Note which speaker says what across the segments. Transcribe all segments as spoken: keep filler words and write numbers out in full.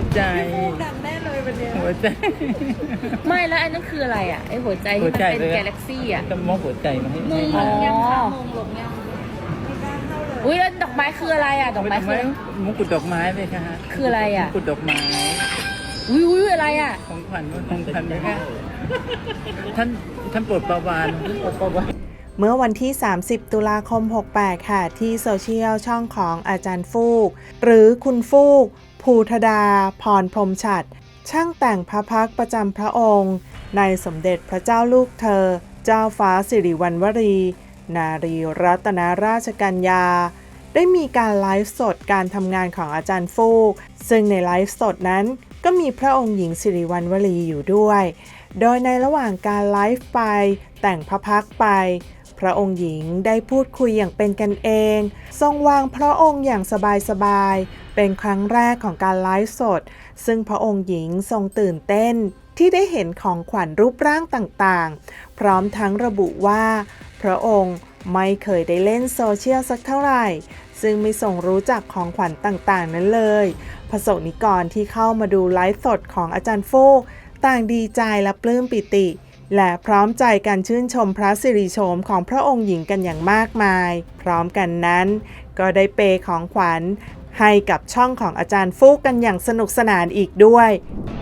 Speaker 1: ใจ
Speaker 2: ดังแน่เลยวันนี้
Speaker 1: หัวใจ
Speaker 3: ไม่แล้วอันนั้นคืออะไรอ่ะไอหัวใจที่มันเป็นกาแล็กซี่อ่ะ
Speaker 1: ก็มอบหัวใจมาให้
Speaker 2: มงหล
Speaker 3: อ๋อ
Speaker 2: งยังคะมงหลงยังไม่กล้าเข้าเลย
Speaker 3: อุ้ยแล้วดอกไม้คืออะไรอ่ะดอกไม้คืออะไร
Speaker 1: มงกุฎดอกไม้เลยค่ะ
Speaker 3: คืออะไรอ่ะ
Speaker 1: มงกุฎดอกไม้
Speaker 3: อุ้ยอุ้ยอะไรอ่ะ
Speaker 1: ของขวัญของขวัญเลยค่ะท่านท่านโปรดประวานโปรดประวาน
Speaker 4: เมื่อวันที่ สามสิบ ตุลาคม หกแปด ค่ะ ที่โซเชียลช่องของอาจารย์ฟูก หรือคุณฟูก ภูธดา พรพรหมฉัตรช่างแต่งพระพักตร์ประจำพระองค์ ในสมเด็จพระเจ้าลูกเธอ เจ้าฟ้าสิริวัณวรี นารีรัตนราชกัญญา ได้มีการไลฟ์สดการทำงานของอาจารย์ฟูก ซึ่งในไลฟ์สดนั้นก็มีพระองค์หญิงสิริวัณวรีอยู่ด้วย โดยในระหว่างการไลฟ์ไปแต่งพระพักตร์ไปพระองค์หญิงได้พูดคุยอย่างเป็นกันเองทรงวางพระองค์อย่างสบายๆเป็นครั้งแรกของการไลฟ์สดซึ่งพระองค์หญิงทรงตื่นเต้นที่ได้เห็นของขวัญรูปร่างต่างๆพร้อมทั้งระบุว่าพระองค์ไม่เคยได้เล่นโซเชียลสักเท่าไหร่ซึ่งไม่ทรงรู้จักของขวัญต่างๆนั้นเลยพระสงฆ์นิกรที่เข้ามาดูไลฟ์สดของอาจารย์ฟูกต่างดีใจและปลื้มปิติและพร้อมใจกันชื่นชมพระสิริโฉมของพระองค์หญิงกันอย่างมากมายพร้อมกันนั้นก็ได้เปย์ของขวัญให้กับช่องของอาจารย์ฟูกกันอย่างสนุกสนานอีกด้วย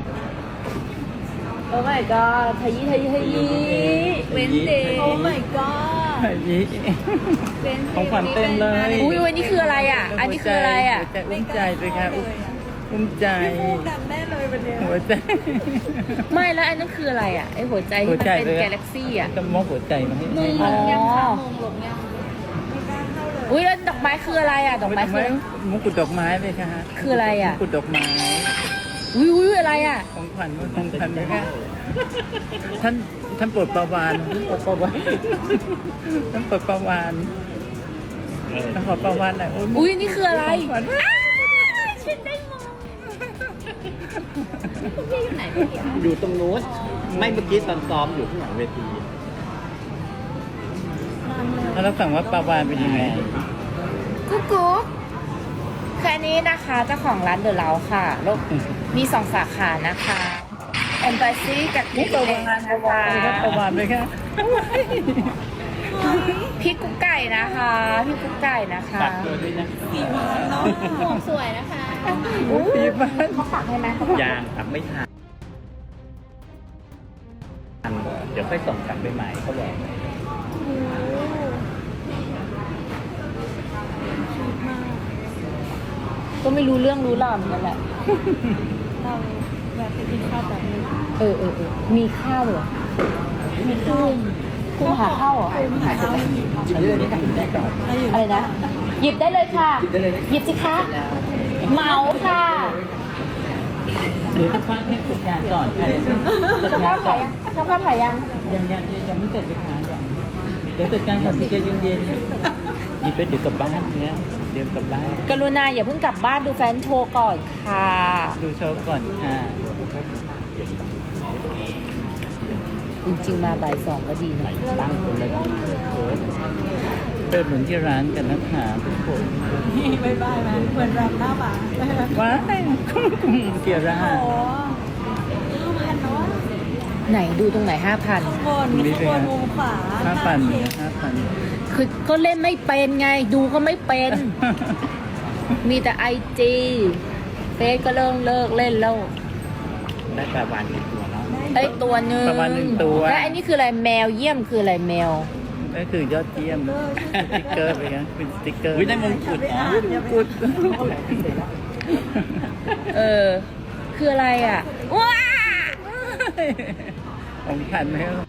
Speaker 3: โอ้ my god ทยีทยีทยีเว้นเดย์
Speaker 2: โอ้ my god
Speaker 1: ยี่ของขวัญเต็มเลย
Speaker 3: อุ้ยวันนี้คืออะไรอ่ะอันนี้คืออะไรอ่ะ
Speaker 1: หัวใจอุ้มใจเลยค่ะอุ้มใจ
Speaker 2: พี่ฟูดังแน่เลยวันนี้
Speaker 1: หัวใจ
Speaker 3: ไม่แล้วอันนั้นคืออะไรอ่ะไอหัวใจที่มันเป็นกาแล็กซี่อ่ะ
Speaker 1: ก็มอบหัวใจมาให้
Speaker 2: มงหลงยังคะมงหลงยังไม่กล้าเข้าเลย
Speaker 3: อุ้ยแล้วดอกไม้คืออะไรอ่ะดอกไม้คืออะไร
Speaker 1: มงกุฎดอกไม้เลยค่ะ
Speaker 3: คืออะไรอ่ะ
Speaker 1: มงกุฎดอกไม้
Speaker 3: อุ้ยอุ้ยอะไรอ่ะ
Speaker 1: ของขวัญของขวัญเลยค่ะท่านท่านโปรดประวานโปรดประวานท่านโปรดประวานท่านโปรดประวานหน่อย
Speaker 3: อุ้ยนี่คืออะไร
Speaker 1: ของขวัญ
Speaker 3: ฉันได้มองพี่อยู่ไหนเนี่ย
Speaker 5: อยู่ตรงนู้นไม่เมื่อกี้ตอนซ้อมอยู่ข้างหลังเวที
Speaker 1: แล้วสั่งว่าประวานเป็นยังไง
Speaker 3: กุ๊กกุ๊กคืออันนี้นะคะเจ้าของร้านเดอะเล้าค่ะแล้วมีสองสาขานะคะแอมบาซีกับที่ตัวงานนะคะ
Speaker 1: ประวานเลยค่ะ
Speaker 3: พี่กุ๊กไก่นะคะพี่กุ๊กไก่นะคะ
Speaker 1: ตัดตัวด้วยนะ
Speaker 2: สีหวานเนาะหมวกสวยนะคะ
Speaker 1: ปีบ้าน
Speaker 3: เขาปักให้ไหมเขาปัก
Speaker 5: ยางตัดไม่ทันเดี๋ยวค่อยส่งกลับไปใหม่เขาบอก
Speaker 3: ก็ไม่รู้เรื่องรู้ราวเหมือนกันแหละ
Speaker 2: เราแบบไปกินข้าวแบบนี้
Speaker 3: เออเออเออมีข้าวเหรอมีข้าวคุณหาข้าวเหรอ
Speaker 2: หาข้าว
Speaker 5: อันนี้นี่ทำได้ก่อน
Speaker 3: อะไรนะหยิบได้เลยค่ะหยิบสิคะเหมาค่ะ
Speaker 1: เดี๋ยวจะฟังให้จัดการก่อนค่ะ
Speaker 3: เจ้าภาพถ่ายยังเจ้าภาพถ่ายยัง
Speaker 1: ยังยังยังไม่เสร็จเลยค่ะเดี๋ยวจัดการก่อนสิใจเย็นๆหยิบไปเดี๋ยวกลับบ้านเนี่ยเดี๋ยวกลับบ้าน
Speaker 3: กรุณาอย่าเพิ่งกลับบ้านดูแฟนโชว์ก่อนค่ะ
Speaker 1: ดูโชว์ก่อนค่ะ
Speaker 3: จริงๆมาบ่ายสองก็ดีนะ
Speaker 1: ตั้งคนละเปิดเหมือนที่ร้านกันนะคะทุกคน
Speaker 2: นี่บายบายนะเหมือนรับหน้าหมา
Speaker 1: ว้ายเกียร์รา
Speaker 2: โอ้ห้าพันเนาะ
Speaker 3: ไหนดูตรงไหนห้าพัน
Speaker 2: ข้างบนข้างบนมุมขวา
Speaker 1: ห้าพันห้าพัน
Speaker 3: คือก็เล่นไม่เป็นไงดูก็ไม่เป็น มีแต่ไอจีเฟซก็เริ่มเลิกเล่นแล้ว
Speaker 5: ได้ปลาวานกี่ตัวเนาะ
Speaker 3: ไอ้ตัวหนึ่ง
Speaker 1: ประมาณหนึ่งตัว
Speaker 3: และอันนี้คืออะไรแมวเยี่ยมคืออะไรแมว
Speaker 1: ก็คือยอดเยี่ยมสติ๊กเกอร์ไปนะเป็นสติ๊กเกอร์
Speaker 5: อุ้ยได้มงกุฎอ๋อ
Speaker 1: กุด
Speaker 3: เออ คืออะไรอ่ะว้า
Speaker 1: ของขันไหมครับ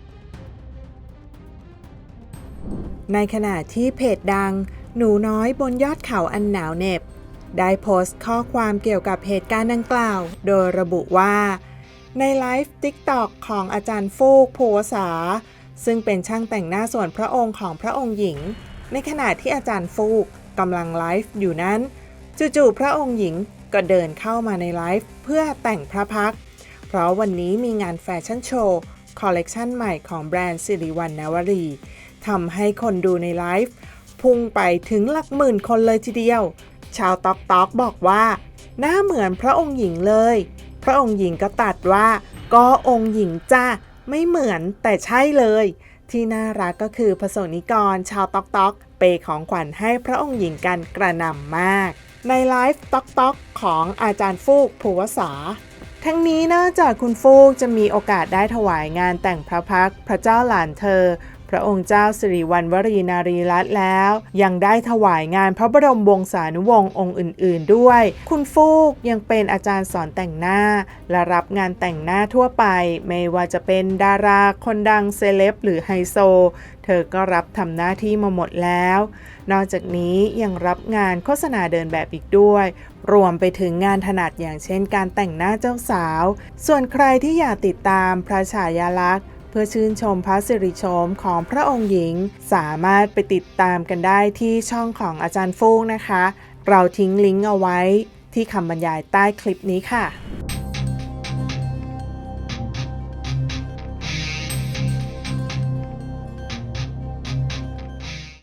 Speaker 4: ในขณะที่เพจดังหนูน้อยบนยอดเขาอันหนาวเหน็บได้โพสต์ข้อความเกี่ยวกับเหตุการณ์ดังกล่าวโดยระบุว่าในไลฟ์ ติ๊กต็อก ของอาจารย์ฟูก ภูวษาซึ่งเป็นช่างแต่งหน้าส่วนพระองค์ของพระองค์หญิงในขณะที่อาจารย์ฟูกกำลังไลฟ์อยู่นั้นจู่ๆพระองค์หญิงก็เดินเข้ามาในไลฟ์เพื่อแต่งพระพักตร์เพราะวันนี้มีงานแฟชั่นโชว์คอลเลกชันใหม่ของแบรนด์สิริวัณณวรีทำให้คนดูในไลฟ์พุ่งไปถึงหลักหมื่นคนเลยทีเดียวชาวต๊อกต๊อกบอกว่าหน้าเหมือนพระองค์หญิงเลยพระองค์หญิงก็ตัดว่าก็องค์หญิงจ้าไม่เหมือนแต่ใช่เลยที่น่ารักก็คือประสงค์นิกรชาวต๊อกต๊อกเปย์ของขวัญให้พระองค์หญิงกันกระหน่ำมากในไลฟ์ต๊อกต๊อกของอาจารย์ฟูกภูวสาทั้งนี้นอกจากคุณฟูกจะมีโอกาสได้ถวายงานแต่งพระพักตร์พระเจ้าหลานเธอพระองค์เจ้าสิริวัณวรีนารีรัตน์แล้วยังได้ถวายงานพระบรมวงศานุวงศ์องค์อื่นๆด้วยคุณฟูกยังเป็นอาจารย์สอนแต่งหน้าและรับงานแต่งหน้าทั่วไปไม่ว่าจะเป็นดาราคนดังเซเลบหรือไฮโซเธอก็รับทำหน้าที่มาหมดแล้วนอกจากนี้ยังรับงานโฆษณาเดินแบบอีกด้วยรวมไปถึงงานถนัดอย่างเช่นการแต่งหน้าเจ้าสาวส่วนใครที่อยากติดตามพระฉายาลักษณ์เพื่อชื่นชมพระสิริโฉมของพระองค์หญิงสามารถไปติดตามกันได้ที่ช่องของอาจารย์ฟูกนะคะเราทิ้งลิงก์เอาไว้ที่คำบรรยายใต้คลิปนี้ค่ะ